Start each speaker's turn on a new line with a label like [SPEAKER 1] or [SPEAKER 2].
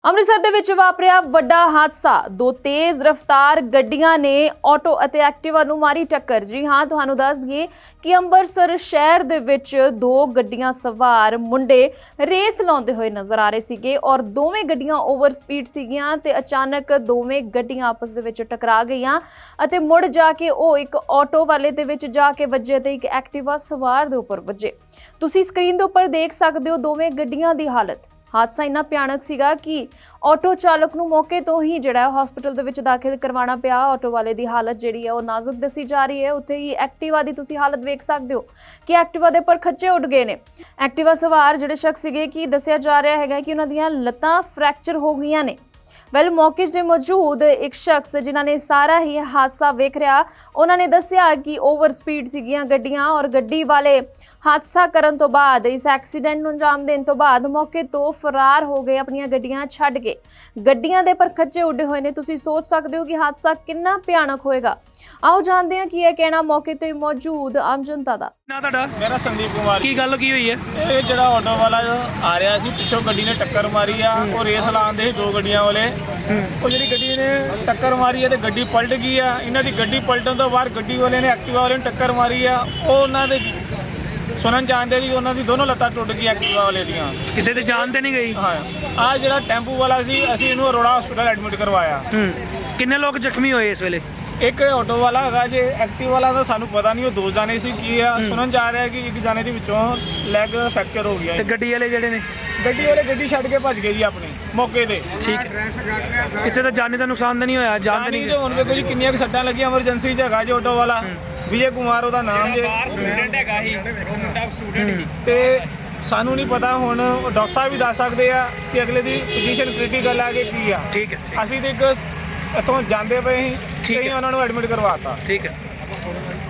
[SPEAKER 1] ਅੰਮ੍ਰਿਤਸਰ ਦੇ ਵਿੱਚ ਵਾਪਰਿਆ ਵੱਡਾ ਹਾਦਸਾ। ਦੋ ਤੇਜ਼ ਰਫ਼ਤਾਰ ਗੱਡੀਆਂ ਨੇ ਆਟੋ ਅਤੇ ਐਕਟਿਵਾ ਨੂੰ ਮਾਰੀ ਟੱਕਰ। ਜੀ ਹਾਂ, ਤੁਹਾਨੂੰ ਦੱਸ ਦਈਏ ਕਿ ਅੰਮ੍ਰਿਤਸਰ ਸ਼ਹਿਰ ਦੇ ਵਿੱਚ ਦੋ ਗੱਡੀਆਂ ਸਵਾਰ ਮੁੰਡੇ ਰੇਸ ਲਾਉਂਦੇ ਹੋਏ ਨਜ਼ਰ ਆ ਰਹੇ ਸੀਗੇ ਔਰ ਦੋਵੇਂ ਗੱਡੀਆਂ ਓਵਰ ਸਪੀਡ ਸੀਗੀਆਂ ਤੇ ਅਚਾਨਕ ਦੋਵੇਂ ਗੱਡੀਆਂ ਆਪਸ ਦੇ ਵਿੱਚ ਟਕਰਾ ਗਈਆਂ ਅਤੇ ਮੁੜ ਜਾ ਕੇ ਉਹ ਇੱਕ ਆਟੋ ਵਾਲੇ ਦੇ ਵਿੱਚ ਜਾ ਕੇ ਵੱਜੇ ਤੇ ਇੱਕ ਐਕਟਿਵਾ ਸਵਾਰ ਦੇ ਉੱਪਰ ਵੱਜੇ। ਤੁਸੀਂ ਸਕਰੀਨ ਦੇ ਉੱਪਰ ਦੇਖ ਸਕਦੇ ਹੋ ਦੋਵੇਂ ਗੱਡੀਆਂ ਦੀ ਹਾਲਤ। ਹਾਦਸਾ ਇੰਨਾ ਭਿਆਨਕ ਸੀਗਾ ਕਿ ਆਟੋ ਚਾਲਕ ਨੂੰ ਮੌਕੇ ਤੋਂ ਹੀ ਜਿਹੜਾ ਹਸਪੀਟਲ ਦੇ ਵਿੱਚ ਦਾਖਲ ਕਰਵਾਉਣਾ ਪਿਆ। ਆਟੋ ਵਾਲੇ ਦੀ ਹਾਲਤ ਜਿਹੜੀ ਹੈ ਉਹ ਨਾਜ਼ੁਕ ਦੱਸੀ ਜਾ ਰਹੀ ਹੈ। ਉੱਥੇ ਹੀ ਐਕਟਿਵਾ ਦੀ ਤੁਸੀਂ ਹਾਲਤ ਵੇਖ ਸਕਦੇ ਹੋ ਕਿ ਐਕਟਿਵਾ ਦੇ ਉੱਪਰ ਖੱਚੇ ਉੱਡ ਗਏ ਨੇ। ਐਕਟਿਵਾ ਸਵਾਰ ਜਿਹੜੇ ਸ਼ਖਸ ਸੀਗੇ ਕਿ ਦੱਸਿਆ ਜਾ ਰਿਹਾ ਹੈਗਾ ਕਿ ਉਹਨਾਂ ਦੀਆਂ ਲੱਤਾਂ ਫ੍ਰੈਕਚਰ ਹੋ ਗਈਆਂ ਨੇ। ਮੌਕੇ 'ਤੇ ਮੌਜੂਦ ਇੱਕ ਸ਼ਖਸ ਜਿਨ੍ਹਾਂ ਨੇ ਸਾਰਾ ਹੀ ਹਾਦਸਾ ਵੇਖ ਰਿਹਾ, ਉਹਨਾਂ ਨੇ ਦੱਸਿਆ ਕਿ ਓਵਰ ਸਪੀਡ ਸੀਗੀਆਂ ਗੱਡੀਆਂ ਔਰ ਗੱਡੀ ਵਾਲੇ ਹਾਦਸਾ ਕਰਨ ਤੋਂ ਬਾਅਦ, ਇਸ ਐਕਸੀਡੈਂਟ ਨੂੰ ਅੰਜਾਮ ਦੇਣ ਤੋਂ ਬਾਅਦ ਮੌਕੇ ਤੋਂ ਫਰਾਰ ਹੋ ਗਏ ਆਪਣੀਆਂ ਗੱਡੀਆਂ ਛੱਡ ਕੇ। ਗੱਡੀਆਂ ਦੇ ਪਰ ਖੱਚੇ ਉੱਡੇ ਹੋਏ ਨੇ। ਤੁਸੀਂ ਸੋਚ ਸਕਦੇ ਹੋ ਕਿ ਹਾਦਸਾ ਕਿੰਨਾ ਭਿਆਨਕ ਹੋਏਗਾ। ਆਓ ਜਾਣਦੇ ਹਾਂ ਕੀ ਹੈ ਕਹਿਣਾ ਮੌਕੇ ਤੇ ਮੌਜੂਦ ਆਮ ਜਨਤਾ ਦਾ।
[SPEAKER 2] ਨਾ ਤੁਹਾਡਾ?
[SPEAKER 3] ਮੇਰਾ ਸੰਦੀਪ ਕੁਮਾਰ।
[SPEAKER 2] ਕੀ ਗੱਲ ਕੀ ਹੋਈ ਹੈ?
[SPEAKER 3] ਇਹ ਜਿਹੜਾ ਆਟੋ ਵਾਲਾ ਆ ਰਿਹਾ ਸੀ, ਪਿੱਛੋਂ ਗੱਡੀ ਨੇ ਟੱਕਰ ਮਾਰੀ ਆ। ਉਹ ਰੇਸ ਲਾਉਂਦੇ ਸੀ ਦੋ ਗੱਡੀਆਂ ਵਾਲੇ। ਉਹ ਜਿਹੜੀ ਗੱਡੀ ਨੇ ਟੱਕਰ ਮਾਰੀ ਹੈ ਤੇ ਗੱਡੀ ਪਲਟ ਗਈ ਆ। ਇਹਨਾਂ ਦੀ ਗੱਡੀ ਪਲਟਣ ਤੋਂ ਬਾਅਦ ਗੱਡੀ ਵਾਲੇ ਨੇ ਐਕਟਿਵਾ ਵਾਲੇ ਨੂੰ ਟੱਕਰ ਮਾਰੀ ਆ। ਉਹ ਉਹਨਾਂ ਦੇ ਸੁਣਨ ਚਾਹੁੰਦੇ ਵੀ ਉਹਨਾਂ ਦੀ ਦੋਨੋਂ ਲੱਤਾਂ ਟੁੱਟ ਗਈਆਂ ਐਕਟਿਵਾ ਵਾਲੇ ਦੀਆਂ।
[SPEAKER 2] ਕਿਸੇ ਦੇ ਜਾਨ ਤੇ ਨਹੀਂ ਗਈ?
[SPEAKER 3] ਹਾਂ, ਆ ਜਿਹੜਾ ਟੈਂਪੂ ਵਾਲਾ ਸੀ, ਅਸੀਂ ਇਹਨੂੰ ਅਰੋੜਾ ਹਸਪੀਟਲ ਐਡਮਿਟ ਕਰਵਾਇਆ।
[SPEAKER 2] ਕਿੰਨੇ ਲੋਕ ਜ਼ਖਮੀ ਹੋਏ ਇਸ ਵੇਲੇ?
[SPEAKER 3] ਇੱਕ ਆਟੋ ਵਾਲਾ ਹੈਗਾ ਜੇ, ਐਕਟਿਵ ਵਾਲਾ ਦਾ ਸਾਨੂੰ ਪਤਾ ਨਹੀਂ, ਉਹ ਦੋ ਜਾਣੇ ਸੀ। ਕੀ ਆ ਸੁਣਨ ਚ ਆ ਰਿਹਾ ਕਿ ਇੱਕ ਜਾਣੇ ਦੇ ਵਿੱਚੋਂ ਲੈਗ ਫ੍ਰੈਕਚਰ ਹੋ ਗਿਆ।
[SPEAKER 2] ਤੇ ਗੱਡੀ ਵਾਲੇ ਜਿਹੜੇ ਨੇ?
[SPEAKER 3] ਗੱਡੀ ਵਾਲੇ ਗੱਡੀ ਛੱਡ ਕੇ ਭੱਜ ਗਏ ਜੀ ਆਪਣੇ ਮੌਕੇ ਤੇ।
[SPEAKER 2] ਠੀਕ ਹੈ। ਕਿਸੇ ਦਾ ਜਾਨੀ ਦਾ ਨੁਕਸਾਨ ਤਾਂ ਨਹੀਂ ਹੋਇਆ? ਜਾਨ ਤਾਂ ਨਹੀਂ?
[SPEAKER 3] ਹੁਣ ਵੇਖੋ ਜੀ ਕਿੰਨੀਆਂ ਕੁ ਸੱਟਾਂ ਲੱਗੀਆਂ। ਐਮਰਜੈਂਸੀ 'ਚ ਹੈਗਾ ਜੀ ਆਟੋ ਵਾਲਾ, ਵਿਜੇ ਕੁਮਾਰ ਉਹਦਾ ਨਾਮ ਜੇ।
[SPEAKER 2] ਸਟੂਡੈਂਟ ਹੈਗਾ ਹੀ, ਮੁੰਡਾ ਸਟੂਡੈਂਟ ਹੀ।
[SPEAKER 3] ਤੇ ਸਾਨੂੰ ਨਹੀਂ ਪਤਾ, ਹੁਣ ਡਾਕਟਰ ਸਾਹਿਬ ਵੀ ਦੱਸ ਸਕਦੇ ਆ ਕਿ ਅਗਲੇ ਦੀ ਪੋਜੀਸ਼ਨ ਕ੍ਰਿਟੀਕਲ ਆ ਕਿ ਕੀ ਆ।
[SPEAKER 2] ਠੀਕ ਹੈ।
[SPEAKER 3] ਅਸੀਂ ਤੇ ਇੱਕ ਇੱਥੋਂ ਜਾਂਦੇ ਪਏ ਸੀ, ਉਹਨਾਂ ਨੂੰ ਐਡਮਿਟ ਕਰਵਾਤਾ।
[SPEAKER 2] ਠੀਕ ਹੈ।